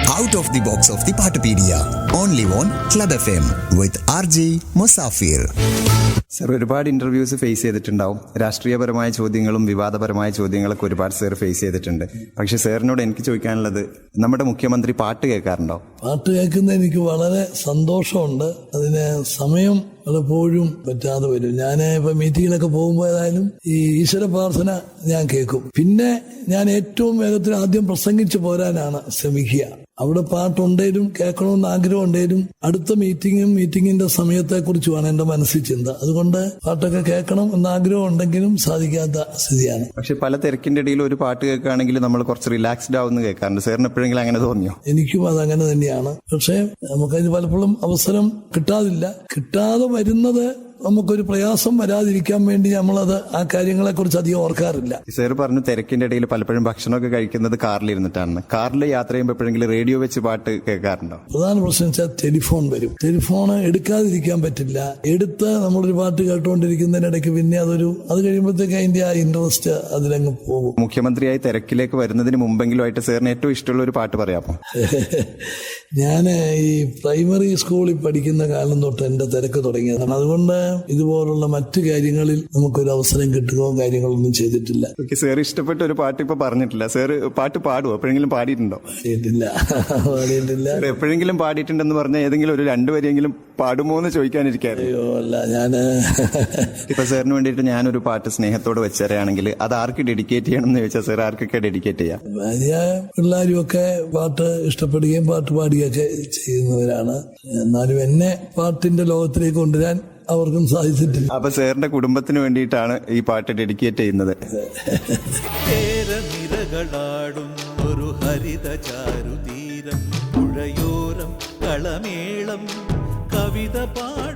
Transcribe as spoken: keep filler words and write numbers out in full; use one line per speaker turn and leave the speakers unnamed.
Out of the box of the Patapedia. Only on Club F M with R J Musafir.
Sir, ഒരുപാട് interviews face ചെയ്തിട്ടുണ്ടാവും. രാഷ്ട്രീയപരമായ ചോദ്യങ്ങളും വിവാദപരമായ ചോദ്യങ്ങളൊക്കെ ഒരുപാട് സാർ ഫേസ് ചെയ്തിട്ടുണ്ട്. പക്ഷെ സാറിനോട് എനിക്ക് ചോദിക്കാനുള്ളത്, നമ്മുടെ മുഖ്യമന്ത്രി പാട്ട് കേൾക്കാറുണ്ടോ?
പാട്ട് കേൾക്കുന്ന എനിക്ക് വളരെ സന്തോഷമുണ്ട്. അതിന് സമയം പലപ്പോഴും പറ്റാതെ വരും. ഞാൻ ഇപ്പൊ മീറ്റിങ്ങിലൊക്കെ പോകുമ്പോൾ ഏതായാലും ഈ ഈശ്വര പ്രാർത്ഥന ഞാൻ കേൾക്കും. പിന്നെ ഞാൻ ഏറ്റവും വേഗത്തിൽ ആദ്യം പ്രസംഗിച്ചു പോരാനാണ് ശ്രമിക്കുക. അവിടെ പാട്ടുണ്ടേലും കേൾക്കണമെന്ന് ആഗ്രഹം ഉണ്ടേലും അടുത്ത മീറ്റിങ്ങും മീറ്റിങ്ങിന്റെ സമയത്തെക്കുറിച്ചുമാണ് എന്റെ മനസ്സിൽ ചിന്ത. അതുകൊണ്ട് പാട്ടൊക്കെ കേൾക്കണം എന്ന ആഗ്രഹം ഉണ്ടെങ്കിലും സാധിക്കാത്ത സ്ഥിതിയാണ്.
പക്ഷെ പല തിരക്കിന്റെ ഇടയിൽ ഒരു പാട്ട് കേൾക്കുകയാണെങ്കിൽ നമ്മൾ കുറച്ച് റിലാക്സ്ഡ് ആവുമെന്ന് കേൾക്കാറുണ്ട്. സാറിന് എപ്പോഴെങ്കിലും അങ്ങനെ തോന്നിയോ?
എനിക്കും അതങ്ങനെ തന്നെയാണ്. പക്ഷെ നമുക്കതിന് പലപ്പോഴും അവസരം കിട്ടാതില്ല. കിട്ടാതെ വരുന്നത് നമുക്കൊരു പ്രയാസം വരാതിരിക്കാൻ വേണ്ടി നമ്മളത് ആ കാര്യങ്ങളെ കുറിച്ച് അധികം ഓർക്കാറില്ല.
സാർ പറഞ്ഞു തിരക്കിന്റെ ഇടയിൽ പലപ്പോഴും ഭക്ഷണമൊക്കെ കഴിക്കുന്നത് കാറിലിരുന്നിട്ടാണ്. കാറിൽ യാത്ര ചെയ്യുമ്പോൾ എപ്പോഴെങ്കിലും റേഡിയോ വെച്ച് പാട്ട് കേൾക്കാറുണ്ടോ?
പ്രധാന പ്രശ്നം വെച്ചാൽ ടെലിഫോൺ വരും. ടെലിഫോൺ എടുക്കാതിരിക്കാൻ പറ്റില്ല. എടുത്ത് നമ്മളൊരു പാട്ട് കേട്ടുകൊണ്ടിരിക്കുന്നതിനിടയ്ക്ക് പിന്നെ അതൊരു അത് കഴിയുമ്പോഴത്തേക്ക് അതിന്റെ ആ ഇൻട്രസ്റ്റ് അതിലങ്ങ് പോകും.
മുഖ്യമന്ത്രിയായി തിരക്കിലേക്ക് വരുന്നതിന് മുമ്പെങ്കിലുമായിട്ട് സാറിന് ഏറ്റവും ഇഷ്ടമുള്ള ഒരു പാട്ട് പറയാമോ?
ഞാൻ ഈ പ്രൈമറി സ്കൂളിൽ പഠിക്കുന്ന കാലം തൊട്ട് എന്റെ തിരക്ക് തുടങ്ങിയതാണ്. അതുകൊണ്ട് ഇതുപോലുള്ള മറ്റു കാര്യങ്ങളിൽ നമുക്കൊരു അവസരം കിട്ടുകയോ കാര്യങ്ങളൊന്നും ചെയ്തിട്ടില്ല.
സാർ ഇഷ്ടപ്പെട്ട ഒരു പാട്ട് ഇപ്പൊ പറഞ്ഞിട്ടില്ല. സാർ പാട്ട് പാടുവോ? എപ്പോഴെങ്കിലും പാടിയിട്ടുണ്ടോ?
പാടിയിട്ടില്ല പാടിയിട്ടില്ല
എപ്പോഴെങ്കിലും പാടിയിട്ടുണ്ടെന്ന് പറഞ്ഞാൽ ഏതെങ്കിലും ഒരു രണ്ടുവരെയെങ്കിലും പാടുമോ എന്ന് ചോദിക്കാനിരിക്കായിരുന്നു.
അയ്യോ അല്ല, ഞാന്
ഇപ്പൊ സാറിന് വേണ്ടിയിട്ട് ഞാനൊരു പാട്ട് സ്നേഹത്തോട് വെച്ചറിയാണെങ്കിൽ അത് ആർക്ക് ഡെഡിക്കേറ്റ് ചെയ്യണം എന്ന് ചോദിച്ചാൽ സാർ ആർക്കൊക്കെ ഡെഡിക്കേറ്റ് ചെയ്യാം?
ഭാര്യ പിള്ളേരും ഒക്കെ പാട്ട് ഇഷ്ടപ്പെടുകയും പാട്ട് പാടുകയൊക്കെ ചെയ്യുന്നവരാണ്. എന്നാലും എന്നെ പാട്ടിന്റെ ലോകത്തിലേക്ക് കൊണ്ടുവരാൻ അവർക്കും സാധിച്ചിട്ടില്ല.
അപ്പൊ സാറിന്റെ കുടുംബത്തിന് വേണ്ടിയിട്ടാണ് ഈ പാട്ട് ഡെഡിക്കേറ്റ് ചെയ്യുന്നത്.
ഒരു ഹരിത ചാരുതീരം പുഴയോരം കളമേളം കവിത പാ